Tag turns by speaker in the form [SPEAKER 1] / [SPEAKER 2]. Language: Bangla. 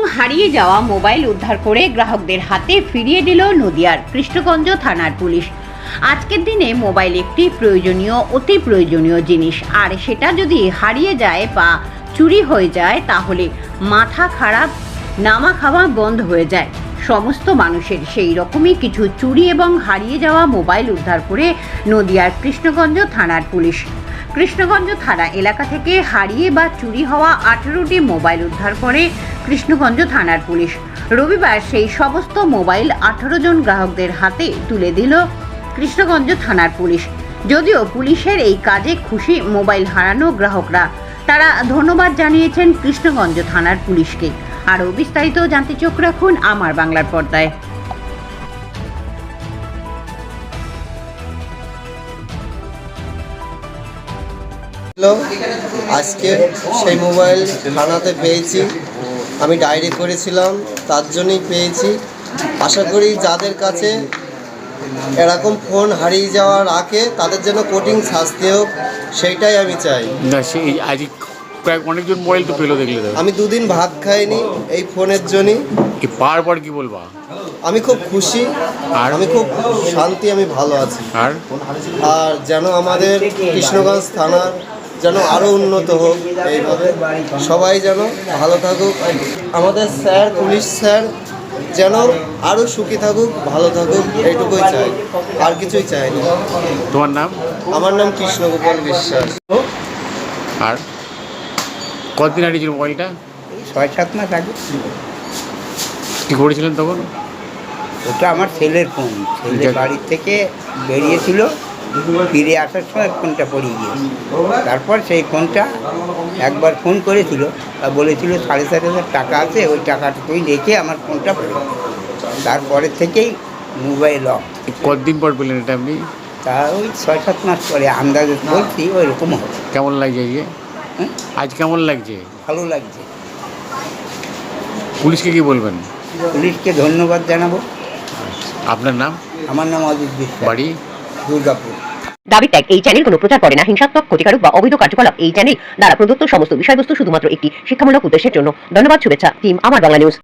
[SPEAKER 1] হারিয়ে যাওয়া মোবাইল উদ্ধার করে গ্রাহকদের হাতে ফিরিয়ে দিল নদিয়ার কৃষ্ণগঞ্জ থানার পুলিশ। আজকের দিনে মোবাইল একটি অতি প্রয়োজনীয় জিনিস, আর সেটা যদি হারিয়ে যায় বা চুরি হয়ে যায় তাহলে মাথা খারাপ, নামা খাওয়া বন্ধ হয়ে যায় সমস্ত মানুষের। সেই রকমই কিছু চুরি এবং হারিয়ে যাওয়া মোবাইল উদ্ধার করে নদিয়ার কৃষ্ণগঞ্জ থানার পুলিশ। কৃষ্ণগঞ্জ থানা এলাকা থেকে হারিয়ে বা চুরি হওয়া 18টি মোবাইল উদ্ধার করে কৃষ্ণগঞ্জ থানার পুলিশ। রবিবার সেই সমস্ত মোবাইল 18 জন গ্রাহকদের হাতে তুলে দিল কৃষ্ণগঞ্জ থানার পুলিশ। যদিও পুলিশের এই কাজে খুশি মোবাইল হারানো গ্রাহকরা, তারা ধন্যবাদ জানিয়েছেন কৃষ্ণগঞ্জ থানার পুলিশকে। আরও বিস্তারিত জানতে চোখ রাখুন আমার বাংলার পর্দায়।
[SPEAKER 2] আজকে সেই মোবাইল থানাতে পেয়েছি, আমি ডায়েরি করেছিলাম, তার জন্যই পেয়েছি। আশা করি যাদের কাছে এরকম ফোন হারিয়ে যাওয়ার আগে তাদের জন্য কঠিন শাস্তি হোক, সেইটাই আমি চাই।
[SPEAKER 3] না, সেই আজ প্রায় অনেকজন মোবাইল তো পেলো, দেখলে তো।
[SPEAKER 2] আমি দুদিন ভাত খাইনি এই ফোনের জন্যই।
[SPEAKER 3] কি পার কি বলবা?
[SPEAKER 2] আমি খুব খুশি,
[SPEAKER 3] আর
[SPEAKER 2] আমি খুব শান্তি, আমি ভালো আছি।
[SPEAKER 3] আর
[SPEAKER 2] যেন আমাদের কৃষ্ণগঞ্জ থানার যেন আরও উন্নত হোক, এইভাবে সবাই যেন ভালো থাকুক। আমাদের স্যার, পুলিশ স্যার যেন আরও সুখী থাকুক, ভালো থাকুক, এইটুকুই চাই, আর কিছুই চাই না।
[SPEAKER 3] তোমার নাম?
[SPEAKER 2] আমার নাম কৃষ্ণগোপাল বিশ্বাস।
[SPEAKER 3] আর কতদিন হারিয়েছিল মোবাইলটা?
[SPEAKER 4] 6-7 মাস আগে।
[SPEAKER 3] কী করেছিলেন তখন?
[SPEAKER 4] ওটা আমার ছেলের ফোন। ছেলে বাড়ির থেকে বেরিয়েছিল, ফিরে আসার সময় ফোনটা পড়িয়ে গিয়েছিল। তারপর সেই ফোনটা একবার ফোন করেছিল, তা বলেছিল 7,500 টাকা আছে, ওই টাকাটা তুই রেখে আমার ফোনটা পড়ে। তারপরের থেকেই মোবাইল অফ।
[SPEAKER 3] কতদিন পর পেলেন এটা আপনি?
[SPEAKER 4] তা ওই 6-7 মাস পরে আন্দাজে বলছি ওই রকম হবে।
[SPEAKER 3] কেমন লাগছে আজকে? আজ কেমন লাগছে?
[SPEAKER 4] ভালো লাগছে।
[SPEAKER 3] পুলিশকে কি বলবেন?
[SPEAKER 4] পুলিশকে ধন্যবাদ জানাবো।
[SPEAKER 3] আপনার নাম?
[SPEAKER 4] আমার নাম অজিত বিশ্বাস,
[SPEAKER 3] বাড়ি?
[SPEAKER 4] দুর্গাপুর।
[SPEAKER 1] দাবি ত্যাগ এই চ্যানেল কোনো প্রচার করে না হিংসাত্মক, ক্ষতিকারক বা অবৈধ কার্যকলাপ। এই চ্যানেল দ্বারা প্রদত্ত সমস্ত বিষয়বস্তু শুধুমাত্র একটি শিক্ষামূলক উদ্দেশ্যের জন্য। ধন্যবাদ, শুভেচ্ছা, টিম আমার বাংলা নিউজ।